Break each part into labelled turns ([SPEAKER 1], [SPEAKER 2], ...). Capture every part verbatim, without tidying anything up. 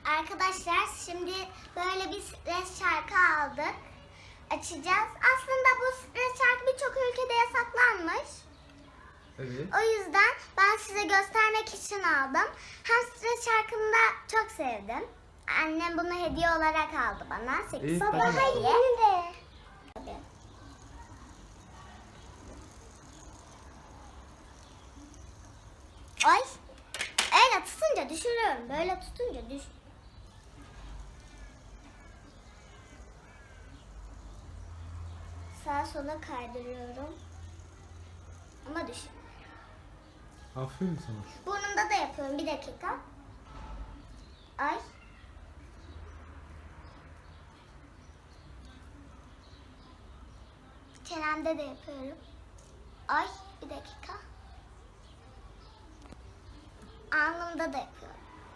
[SPEAKER 1] Arkadaşlar şimdi böyle bir stres şarkı aldık. Açacağız. Aslında bu stres şarkı birçok ülkede yasaklanmış.
[SPEAKER 2] Evet.
[SPEAKER 1] O yüzden ben size göstermek için aldım. Hem stres şarkını da çok sevdim. Annem bunu hediye olarak aldı bana. sekiz
[SPEAKER 2] İyi,
[SPEAKER 1] Baba
[SPEAKER 2] hadi bakalım.
[SPEAKER 1] hayır de. Tabii. Ay. Öyle tutunca düşürüyorum. Böyle tutunca düş. Sağa sola kaydırıyorum. Ama düş.
[SPEAKER 2] Aferin sana.
[SPEAKER 1] Burnumda da yapıyorum. Bir dakika. Ay. Çenemde de yapıyorum. Ay. Bir dakika. Alnımda da yapıyorum.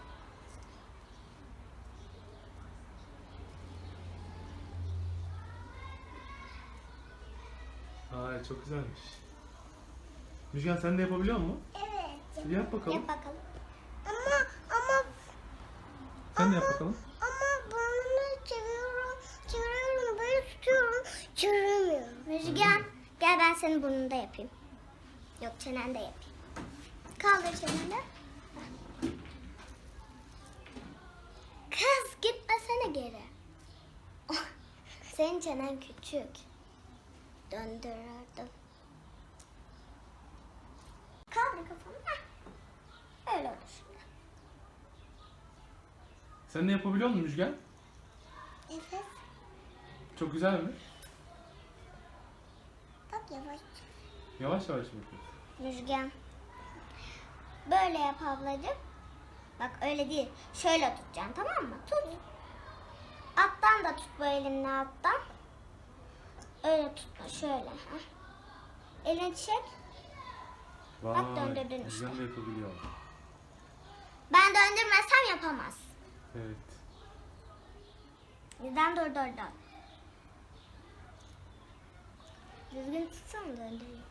[SPEAKER 2] Aa, çok güzelmiş. Müjgan sen de yapabiliyor musun?
[SPEAKER 1] Evet.
[SPEAKER 2] Bir yap bakalım.
[SPEAKER 1] Yap bakalım. Ama ama
[SPEAKER 2] Sen de yap bakalım.
[SPEAKER 1] ama burnumu çeviriyorum. Çeviriyorum. Böyle tutuyorum. Çeviremiyorum. Müjgan gel ben senin burnunda yapayım. Yok çenende yapayım. Kaldır çeneni. Kız gitmesene geri. Senin çenen küçük. Döndürürdüm. Kaldır kafanı. Heh. Öyle olur şimdi.
[SPEAKER 2] Sen de yapabiliyor musun Müjgan?
[SPEAKER 1] Evet.
[SPEAKER 2] Çok güzel mi?
[SPEAKER 1] Bak yavaş.
[SPEAKER 2] Yavaş yavaş mı yapıyorsun?
[SPEAKER 1] Müjgan. Böyle yap ablacığım. Bak öyle değil. Şöyle tutacaksın tamam mı? Tut. Alttan da tut bu elinle alttan. Öyle tutma şöyle. Heh. Elini çek. Bak döndürdün işte.
[SPEAKER 2] Müjgan da yapabiliyor.
[SPEAKER 1] Ben döndürmezsem yapamaz.
[SPEAKER 2] Evet.
[SPEAKER 1] Bizden dur dur dur. Düzgün tutsam döndüreyim.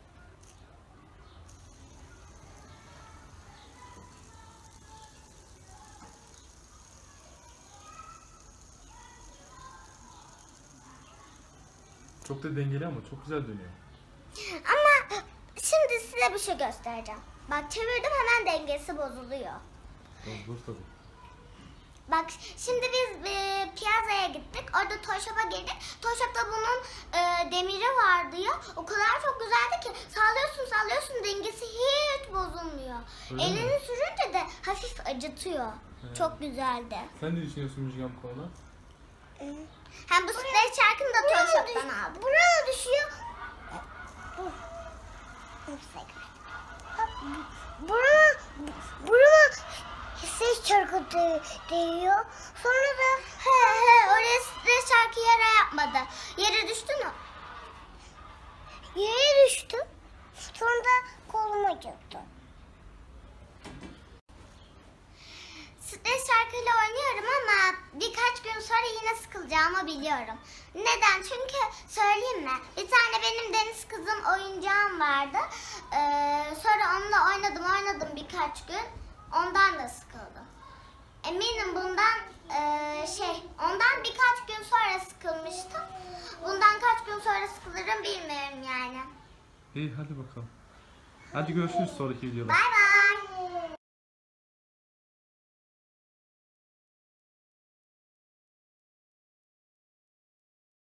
[SPEAKER 2] Çok da dengeli ama çok güzel dönüyor.
[SPEAKER 1] Ama şimdi size bir şey göstereceğim. Bak çevirdim hemen dengesi bozuluyor.
[SPEAKER 2] Dur tabii.
[SPEAKER 1] Bak şimdi biz e, piyazaya gittik. Orada Toy Shop'a girdik. Toy Shop'ta bunun e, demiri vardı ya. O kadar çok güzeldi ki sallıyorsun sallıyorsun dengesi hiç bozulmuyor.
[SPEAKER 2] Öyle
[SPEAKER 1] Elini
[SPEAKER 2] mi?
[SPEAKER 1] sürünce de hafif acıtıyor.
[SPEAKER 2] He.
[SPEAKER 1] Çok güzeldi.
[SPEAKER 2] Sen ne düşünüyorsun Müjgan bu konuda?
[SPEAKER 1] Hem bu stres şarkını da Toy Shop'tan aldım. Buraya düşüyor. Buraya, buraya stres şarkı değiyor. Sonra da he he oraya stres şarkı yere yapmadı. Yere düştü mü? Yere düştü. Sonra da koluma acıttı. Stres şarkıyla oynuyorum ama birkaç gün sonra yine sıkılacağımı biliyorum. Neden? Çünkü söyleyeyim mi? Bir tane benim deniz kızım oyuncağım vardı. Ee, sonra onunla oynadım oynadım birkaç gün. Ondan da sıkıldım. Eminim bundan e, şey ondan birkaç gün sonra sıkılmıştım. Bundan kaç gün sonra sıkılırım bilmiyorum yani.
[SPEAKER 2] İyi hadi bakalım. Hadi görüşürüz sonraki videoda.
[SPEAKER 1] Bay bay.